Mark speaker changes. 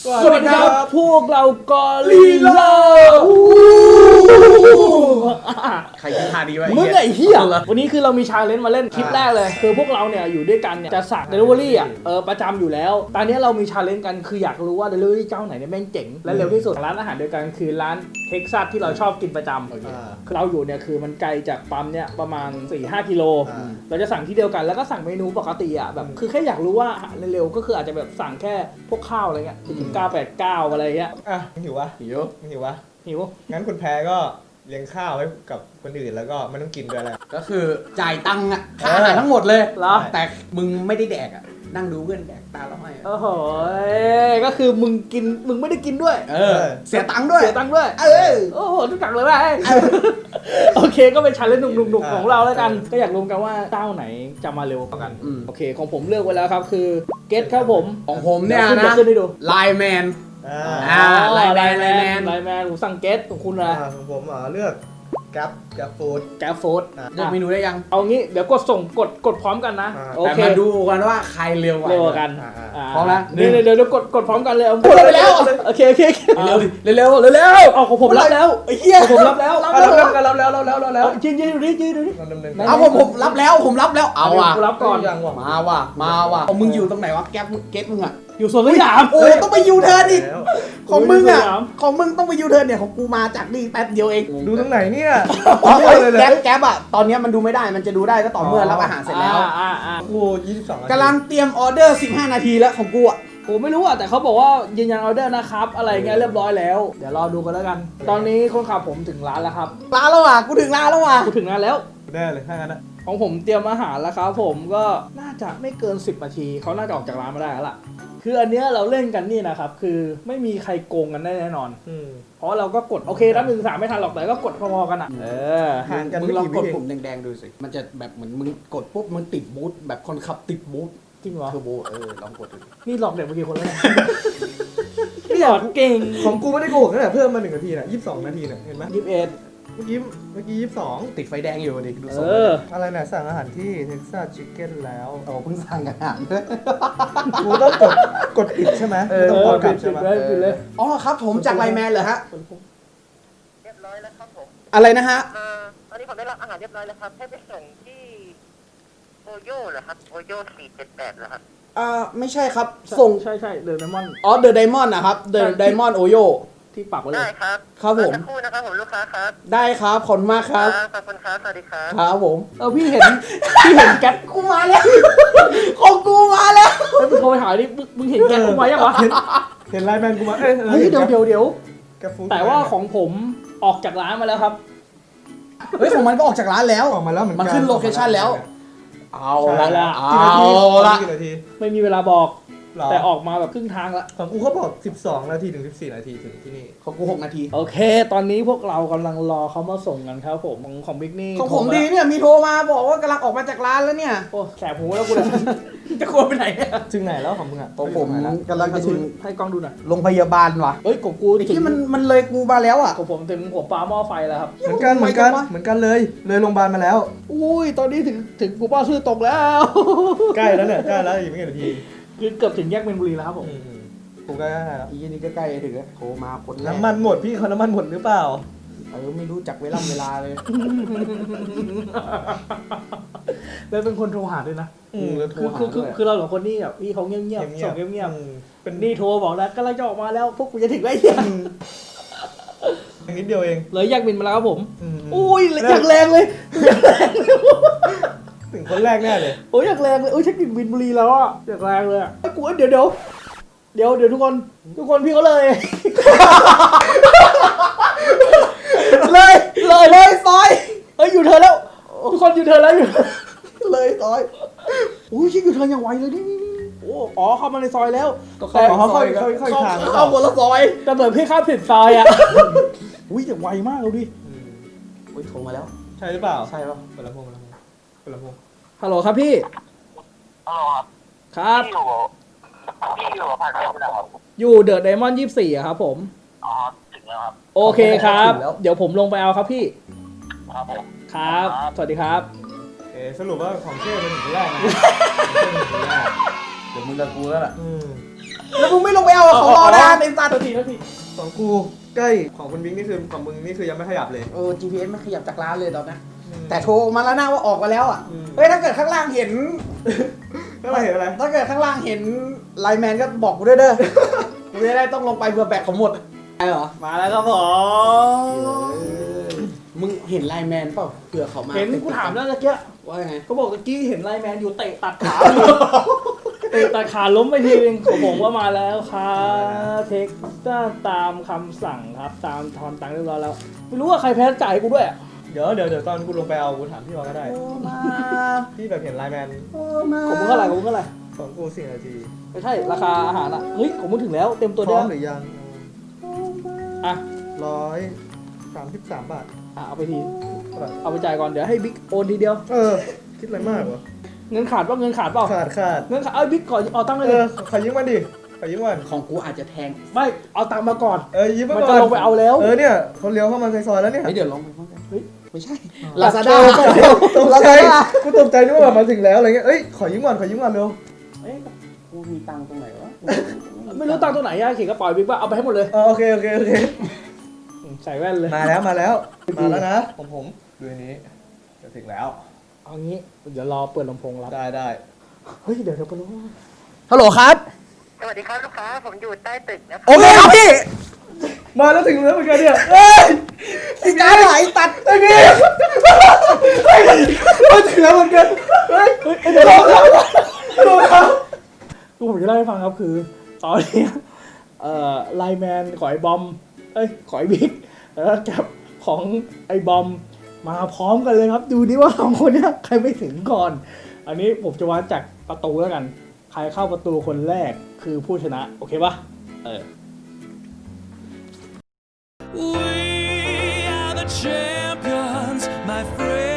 Speaker 1: สวัสดีครับพวกเรากอริลลา
Speaker 2: ใครคิดท่าดีไว้
Speaker 1: มึงไอ้เหี้ยวันนี้คือเรามีชาเลนจ์มาเล่นคลิปแรกเลยคือพวกเราเนี่ยอยู่ด้วยกันเนี่ยจะสั่งเดลิเวอรี่อ่ะประจำอยู่แล้วตอนนี้เรามีชาเลนจ์กันคืออยากรู้ว่าเดลิเวอรี่เจ้าไหนเนี่ยแม่งเจ๋งและเร็วที่สุดร้านอาหารเดียวกันคือร้านเท็กซัสที่เราชอบกินประจำคือเราอยู่เนี่ยคือมันไกลจากปั๊มเนี่ยประมาณ 4-5 กิโลเราจะสั่งที่เดียวกันแล้วก็สั่งเมนูปกติอ่ะแบบคือแค่อยากรู้ว่าเร็วๆก็คืออาจจะแบบสั่งแค่พวกข้าวอะไรเงี้ย989อะไรเงี้ย
Speaker 3: หิววะหิววะงั้นคุณแพ้ก็เลี้ยงข้าวให้กับคนอื่นแล้วก็ไม่ต้องกินด้วยแหละ
Speaker 2: ก็คือจ่ายตังค์อะค่าอาหารทั้งหมดเลยแต่มึงไม่ได้แดกอะนั่งดูเพื่อนแดกตาละห้อย
Speaker 1: โอ้โหก็คือมึงกินมึงไม่ได้กินด้วย
Speaker 2: เสียตังค์ด้วย
Speaker 1: โอ้โหทุกอย่างเลยว่ะโอเคก็เป็นชาเลนจ์หนุกๆของเราแล้วกันก็อยากรู้กันว่าเจ้าไหนจะมาเร็วกว่ากันโอเคของผมเลือกไว้แล้วครับคือเกตครับผม
Speaker 2: ของผมเนี่ยนะไลน์แมนไลน์แมน
Speaker 1: ผมสั่งเกตของคุณนะ
Speaker 3: ของผมเลือกแก๊ปฟู้ด
Speaker 2: เลือกเมนูได้ยัง
Speaker 1: เอางี้เดี๋ยวกดส่งกดพร้อมกันนะ
Speaker 2: แต่มาดูกันว่าใครเร็วกว่า
Speaker 1: กัน
Speaker 2: พร้อมแล้ว
Speaker 1: เดี๋ยวกดพร้อมกันเลย
Speaker 2: กดไปแล้ว
Speaker 1: โอเค
Speaker 2: เร็ว
Speaker 1: เอาของผมรับแล้ว
Speaker 2: ไอ้เหี้ย
Speaker 1: ผมรับแล้วยืนดูดิ
Speaker 2: เอาผมรับแล้วเอาว่ะ
Speaker 1: รับก่อน
Speaker 2: มาว่ะมึงอยู่ตรงไหนวะแก๊ปเก็ตมึงอะ
Speaker 1: อยู่สวนสยาม
Speaker 2: โอ้ต้องไปยูเทิร์นอีกของมึงต้องไปยูเทิร์นเนี่ยของกูมาจากนี่แป๊บเดียวเอง
Speaker 3: ดูตรงไหนเนี่ย
Speaker 2: แก๊ปอะตอนนี้มันดูไม่ได้มันจะดูได้ก็ต่อเมื่อรับอาหารเสร็จแล้ว
Speaker 3: กู22
Speaker 2: กำลังเตรียมออเดอร์15นาทีแล้วของกูอะ
Speaker 1: ผมไม่รู้อ่ะแต่เขาบอกว่ายืนยันออเดอร์นะครับอะไรเงี้ยเรียบร้อยแล้วเดี๋ยวรอดูกันแล้วกันตอนนี้คนขับผมถึงร้านแล้วครับ
Speaker 2: ร้านแล้วว่ะกูถึงร้านแล้วว่ะ
Speaker 1: กูถึงร้านแล้ว
Speaker 3: ได้เลยถ้างั้น
Speaker 1: ของผมเตรียมอาหารแล้วครับผมก็น่าจะไม่เกิน10นาทีเขาน่าจะออกจากร้านมาได้แล้วล่ะคืออันเนี้ยเราเล่นกันนี่นะครับคือไม่มีใครโกงกันได้แน่นอนเพราะเราก็กดโอเคนับ1-3ไม่ทันหรอกแต่ก็กดพอๆกันอ่ะ
Speaker 2: ห่างกันมึงลองกดปุ่มแดงๆดูสิมันจะแบบเหมือนมึงกดปุ๊บมันติดบูทแบบคนขับติดบูท
Speaker 1: จริงเหรอ
Speaker 2: เทอร์โบลองกดดู
Speaker 1: นี่หลอกเด็กเมื่อกี้คนแล้วนี่หลอกเก่ง
Speaker 3: ของกูไม่ได้โกหกนะเพิ่มมา1นาทีน่ะ22นาทีน่ะเห็นไหม
Speaker 1: 21
Speaker 3: เมื่อกี้22
Speaker 2: ติดไฟแดงอยู่ดิดูส
Speaker 3: อะไรน่ะสั่งอาหารที่เท็กซัสชิคเก้นแล้ว
Speaker 2: เพิ่งสั่งอาหาร
Speaker 3: กูต้องกดปิดใช่ไหมต้องกดปิดใช่ไหม
Speaker 1: เลย
Speaker 2: อ๋อครับผมจากไลน์แมนเหรอฮะ
Speaker 4: เรียบร้อยแล้วครับผม
Speaker 2: อะไรนะฮะ
Speaker 4: ตอนนี้ผมได้รับอาหารเรียบร้อยแล้วครับให้ไปส่งที่โอโย่เหรอครับโอโย่478เหรอครับ
Speaker 2: ไม่ใช่ครับส่ง
Speaker 1: ใช่เดอะไดมอนด์
Speaker 2: เดอะไดมอนด์นะครับเดอะไดมอนด์โอโย่
Speaker 1: ที่ปักไว้เลย
Speaker 4: ได้ครับ
Speaker 2: ครับผม
Speaker 4: สักครู่นะครับผมลูกค้าครับ
Speaker 2: ได้ครับขอบคุณมากครับ
Speaker 4: ขอบคุณครับสวัสดีครับ
Speaker 2: ครับผม
Speaker 1: พี่เห็นแก๊ป
Speaker 2: กูมาแล้วของกูมาแล้ว
Speaker 1: มึงโทรไปหาดิมึงเห็นแก๊ปกูมายังวะ
Speaker 3: เห็นไลน์แมนกูมา
Speaker 1: เฮ้ยเดี๋ยวแต่ว่าของผมออกจากร้านมาแล้วครับ
Speaker 2: เฮ้ยของมันก็ออกจากร้านแล้ว
Speaker 3: ออกมาแล้ว
Speaker 2: มันขึ้นโลเคชั่นแล้วเอาละ
Speaker 1: ไม่มีเวลาบอกแต่ออกมาแบบครึ่งทางละ
Speaker 3: ของกูเขาบอก12นาทีถึง14นาทีถึงที่นี่
Speaker 2: ของกู6นาที
Speaker 1: โอเคตอนนี้พวกเรากำลังรอเขามาส่งกันครับผมของบิ๊กนี่
Speaker 2: ของผมดีเนี่ยมีโทรมาบอกว่ากำลังออกมาจากร้านแล้วเนี่ย
Speaker 1: โอ้แสบหูแล้วกูเลยจะกลัวไปไหน
Speaker 3: ถึงไหนแล้วของมึงอ่ะ
Speaker 2: ของผมกำลังจะถึง
Speaker 1: ให้กล้องดูหน่อย
Speaker 2: โรงพยาบาลว่ะ
Speaker 1: เฮ้ยของกู
Speaker 2: ที่มันเลยกูมาแล้วอ่ะ
Speaker 1: ของผมถึงหัวปลาหม้อไฟแล้วครับ
Speaker 3: เหมือนกันเลยโรงพยาบาลมาแล้ว
Speaker 1: อุ้ยตอนนี้ถึงกูป้าชื่อตกแล้ว
Speaker 3: ใกล้แล้วเนี่ยใกล้แล้วอีกไม่กี่นาที
Speaker 1: คือเกือบถึงแยกเมนบุรีแล้วครับผม
Speaker 3: กูใกล้แล้ว
Speaker 2: อีนี่ก็ใกล้ถึงแล้วโทรมาคน
Speaker 3: น้ำมันหมดพี่เขาน้ำมันหมดหรือเปล่า
Speaker 2: ไม่รู้จักเวลาเลย
Speaker 1: แล้วเป็นคนโทรหาด้วยนะคือเราสองคนนี่แบบพี่เขาเงียบส่งเงียบเป็นนี่โทรบอกแล้วก็เราจะออกมาแล้วพวกกูจะถึงได้ยัง
Speaker 3: นิดเดียวเอง
Speaker 1: เลยแยกบินมาแล้วครับผมอุ้ยอยากแรงเลย
Speaker 3: ถึงคนแรกแน่เลย
Speaker 1: โอ้ยอยากแรงเลยโอ้ยเช็คบินบุรีแล้วอ่ะอยากแรงเลยไอ้กูเดี๋ยวทุกคนพี่เขาเลย
Speaker 2: ซอย
Speaker 1: เฮ้ยอยู่เธอแล้วทุกคนอยู่เธอแล้วอยู่
Speaker 2: เลยซอย
Speaker 1: อุ้ยชิคอยู่เธออย่างไวเลยนี่โอ้อ๋อเข้ามาในซอยแล้ว
Speaker 3: แต่เขาค่อยทาง
Speaker 2: เข้าคนละซอย
Speaker 1: แต่เหมือนพี่ข้ามผิดซอยอ่ะอุ้ยแต่ไวมากเลยดิ
Speaker 2: อุ้ยโทรมาแล้ว
Speaker 3: ใช่หรือเปล่า
Speaker 2: ใช่ป่ะ
Speaker 3: เปิดลำโพง
Speaker 1: ฮัลโหลครับพี่
Speaker 4: ฮัลโหล
Speaker 1: ครับ
Speaker 4: พี่อยู่ผ่านไปแล้วครับ
Speaker 1: อยู่เดอะไดมอนด์24อะครับผม
Speaker 4: อ๋อถึงแล้วครับ
Speaker 1: โอเคครับเดี๋ยวผมลงไปเอาครับพี่
Speaker 4: ครับผม
Speaker 1: ครับสวัสดีครับ
Speaker 3: สรุปว่าของเช่เป็นถึงแรกนะ
Speaker 2: เดี๋ยวมึงกับกูแล้วล่ะแล้วมึงไม่ลงไปเอาของรอนานไอ้สัตว์
Speaker 1: ที
Speaker 3: ของกูใกล้ของคุณบิ๊กนี่คือของมึงนี่คือยังไม่ขยับเลย
Speaker 2: GPS ไม่ขยับจากร้านเลยตอนนั้นแต่โทรมาแล้วนะว่าออกมาแล้วอ่ะ
Speaker 3: อืม
Speaker 2: เฮ้ยถ้าเกิดข้างล่างเห็น
Speaker 3: ไม่มาเห็นอะไร
Speaker 2: ถ้าเกิดข้างล่างเห็นไลน์แมนก็บอกกูด้วยเด้อ กูจะได้ต้องลงไปเพื่อแบกของหมดไอ้เหรอ
Speaker 1: มาแล้วครับผม
Speaker 2: มึงเห็นไลน์แมนเปล่าเผื่อเขามา
Speaker 1: เห็นกูถามแล้วตะเกีย
Speaker 2: ว่าไง
Speaker 1: เขาบอกตะกี้เห็นไลน์แมนอยู่เตะตัดขาอยู่ เตะตัดขาล้มไปทีนึงของผมว่ามาแล้วครับเทคตามคำสั่งครับตามทอนตังค์เรียบร้อยแล้วไม่รู้ว่าใครแพ้จ่ายให้กูด้วยอะ
Speaker 3: เดี๋ยวตอนกูลงไปเอากูถามพี่วอก็ได้
Speaker 2: โอ้มา
Speaker 3: พี่แบบเห็นไลน์แมน
Speaker 2: โอ้มา
Speaker 1: ของมึงเท่าไหร่ของมึงเท่าไหร่
Speaker 3: ของกู4 นาที
Speaker 1: ไม่ใช่ราคาอาหารอ่ะเฮ้ยของมึงถึงแล้วเต็มตัว
Speaker 3: พ
Speaker 1: เดี
Speaker 3: ร้
Speaker 1: ย
Speaker 3: อ
Speaker 1: ว
Speaker 3: มหรือยัง
Speaker 1: อ่ะ
Speaker 3: 133 บาท
Speaker 1: เอาไปทีเอาไปจ่ายก่อนเดี๋ยวให้บิ๊กโอนทีเดียว
Speaker 3: คิดอะไรมากวะ
Speaker 1: เงินขาดเปล่าเงินขาดเปล่า
Speaker 3: ขาด
Speaker 1: เงินขาดเอาบิ๊กก่อนเอาตังค์เลยดิ
Speaker 3: ขอยืมมาดิขอยืมมา
Speaker 2: ของกูอาจจะแทง
Speaker 1: ไม่เอาตังค์มาก่อน
Speaker 3: ยืมมา
Speaker 1: มัน
Speaker 3: ก่
Speaker 1: จะ
Speaker 3: อน
Speaker 1: ลงไปเอาแล้ว
Speaker 3: เนี่ยเขาเลี้ยวเข้ามาในซอยแล้วเนี่ย
Speaker 2: เฮ้ยเดี๋ยวลองไปพร้อมกัน
Speaker 1: เฮ้ย
Speaker 2: ไม่ใช่
Speaker 1: ลา
Speaker 2: ลา
Speaker 1: ซา
Speaker 2: ซา
Speaker 1: ด้า
Speaker 2: ด้า
Speaker 3: ตกใจกูตกใจนึกว่าแบบมาถึงแล้วอะไรเงี้ยขอยืมก่อนเร็ว
Speaker 2: เอ๊ะกูมีตังค์ตรงไหนวะ
Speaker 1: ไม่รู้ตังค์ตัวไหนอะเขียนกระเป๋าบิ๊กว่าเอาไปให้หมดเลย
Speaker 3: โอเค
Speaker 1: ใส่แว่นเลย
Speaker 3: มาแล้วนะผมดูอันนี้จะถึงแล้ว
Speaker 1: เอางี้เดี๋ยวรอเปิดลำโพงรับ
Speaker 3: ได้
Speaker 1: เฮ้ยเดี๋ยวเปิดลำโพง
Speaker 2: ฮัลโหลครับ
Speaker 4: สวัสดีครับลูกค้าผมอยู่ใต้ตึกนะค
Speaker 2: โอ
Speaker 4: รับ
Speaker 2: เคครับพี่
Speaker 3: มาแล้วถึงแล้วเหมือนกันเนี่ย
Speaker 2: ไอ้การไหลตัด
Speaker 3: ไอ้นี่มาถึงแล้วเหมือนกันเฮ้ย
Speaker 1: เดี๋ยวรอ
Speaker 3: ดูครับ
Speaker 1: กูผมจะเล่าให้ฟังครับคือตอนนี้ไลน์แมนขอไอ้บอมขอไอ้บิ๊กแล้วก็จับของไอ้บอมมาพร้อมกันเลยครับ ดูดิว่าสองคนเนี้ยใครไม่ถึงก่อน อันนี้ผมจะวัดจากประตูแล้วกัน ใครเข้าประตูคนแรกคือผู้ชนะโอเคปะ
Speaker 5: We are the champions, my friend.